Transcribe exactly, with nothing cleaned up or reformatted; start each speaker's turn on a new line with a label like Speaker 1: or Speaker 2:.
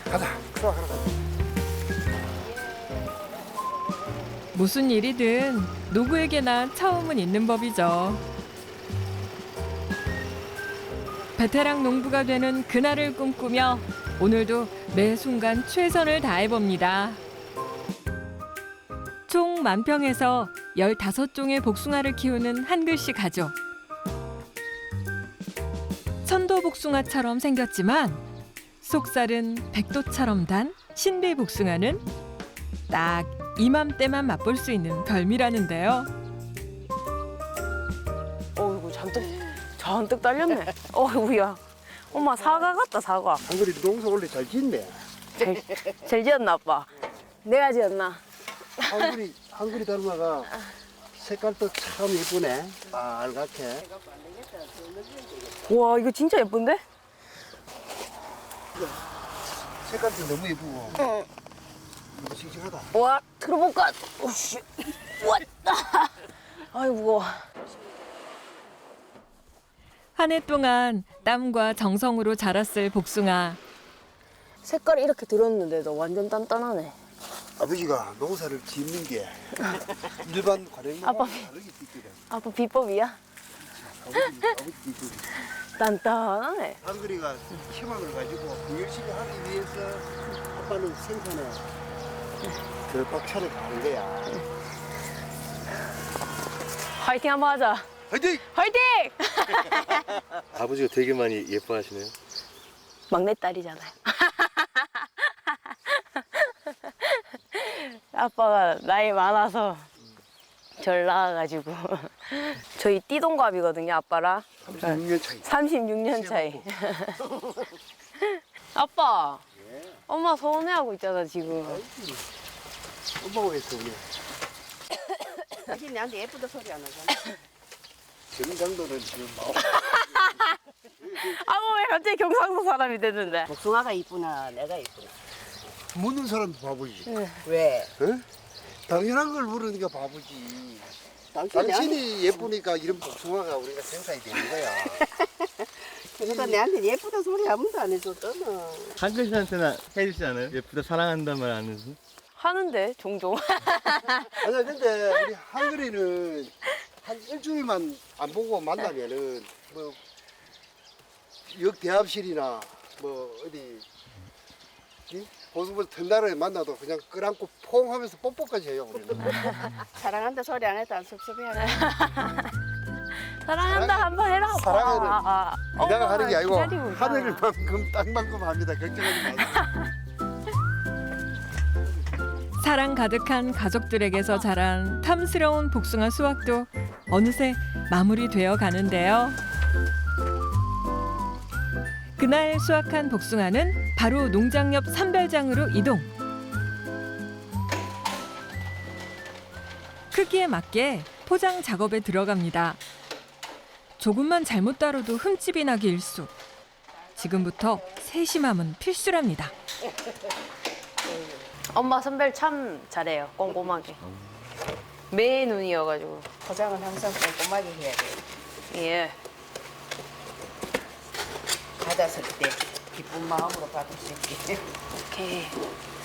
Speaker 1: 가자. 수확하러 가자.
Speaker 2: 무슨 일이든 누구에게나 처음은 있는 법이죠. 베테랑 농부가 되는 그날을 꿈꾸며 오늘도 매 순간 최선을 다해봅니다. 총 만 평에서 열다섯 종의 복숭아를 키우는 한글씨 가족. 천도 복숭아처럼 생겼지만 속살은 백도처럼 단 신비 복숭아는 딱 이맘때만 맛볼 수 있는 별미라는데요.
Speaker 3: 어이구 잔뜩 잔뜩 딸렸네. 어이구야. 엄마 사과 같다 사과.
Speaker 1: 한글이 농사 원래 잘 짓네.
Speaker 3: 잘, 잘 지었나 아빠? 내가 지었나?
Speaker 1: 한글이 한글이 닮아가 색깔도 참 예쁘네. 빨갛게.
Speaker 3: 와 이거 진짜 예쁜데?
Speaker 1: 색깔도 너무 예쁘고.
Speaker 3: 응.
Speaker 1: 너무 싱싱하다.
Speaker 3: 와 들어볼까? 오씨. 왔다. 아이 무거워.
Speaker 2: 한 해 동안 땀과 정성으로 자랐을 복숭아.
Speaker 3: 색깔이 이렇게 들었는데도 완전 단단하네.
Speaker 1: 아버지가 농사를 짓는 게 일반 과령과
Speaker 3: 아빠.
Speaker 1: 다르게 짓거든.
Speaker 3: 아빠 비법이야?
Speaker 1: 아버지 아버지 비법이.
Speaker 3: 단단하네.
Speaker 1: 한글이가 희망을 가지고 그 열심히 하기 위해서 아빠는 생산에 그 박차를 가는 거야.
Speaker 3: 화이팅 한번 하자.
Speaker 1: 화이팅!
Speaker 3: 화이팅!
Speaker 4: 아버지가 되게 많이 예뻐하시네요.
Speaker 3: 막내딸이잖아요. 아빠가 나이 많아서 절 낳아가지고 저희 띠동갑이거든요 아빠랑.
Speaker 1: 삼십육 년 차이.
Speaker 3: 삼십육 년 차이. 아빠, 엄마 서운해하고 있잖아 지금.
Speaker 1: 엄마가 왜 서운해?
Speaker 5: 당신 내한테 예쁘다 소리 안 하잖아.
Speaker 1: 정장도는 지금 마음.
Speaker 3: 아빠 왜 갑자기 경상도 사람이 됐는데?
Speaker 5: 복숭아가 이쁘나 내가 이쁘나.
Speaker 1: 묻는 사람도 바보지.
Speaker 5: 왜?
Speaker 1: 어? 당연한 걸 물으니까 바보지.
Speaker 5: 당신 내한테,
Speaker 1: 당신이 예쁘니까 이런 복숭아가 우리가 생산이 되는 거야.
Speaker 5: 그러니까 내한테 예쁘다 소리 아무도 안 해줬잖아.
Speaker 4: 한글씨한테나 해주지 않아요? 예쁘다 사랑한단 말 안 해서?
Speaker 3: 하는데 종종.
Speaker 1: 아니야 근데 우리 한글이는 한 일주일만 안 보고 만나면은 뭐 역대합실이나 뭐 어디 이? 보수부 전날에 만나도 그냥 끌안고 퐁 하면서 뽀뽀까지 해요 우리는.
Speaker 5: 사랑한다 소리 안 해도 안 섭섭해하네.
Speaker 3: 사랑한다 한번 해라. 아빠.
Speaker 1: 사랑은
Speaker 3: 아, 아.
Speaker 1: 그냥
Speaker 3: 엄마가
Speaker 1: 하는 게 아니고
Speaker 3: 기다리고 있잖아.
Speaker 1: 하늘만큼 땅만큼 합니다. 걱정하지 마세요.
Speaker 2: 사랑 가득한 가족들에게서 자란 탐스러운 복숭아 수확도 어느새 마무리되어 가는데요. 그날 수확한 복숭아는 바로 농장 옆 산별장으로 이동. 크기에 맞게 포장 작업에 들어갑니다. 조금만 잘못 다뤄도 흠집이 나기 일쑤. 지금부터 세심함은 필수랍니다.
Speaker 3: 엄마 선별 참 잘해요. 꼼꼼하게. 매 눈이어가지고.
Speaker 5: 포장은 항상 꼼꼼하게 해야 돼.
Speaker 3: 예.
Speaker 5: 받았을 때 기쁜 마음으로 받을 수 있게.
Speaker 3: 오케이.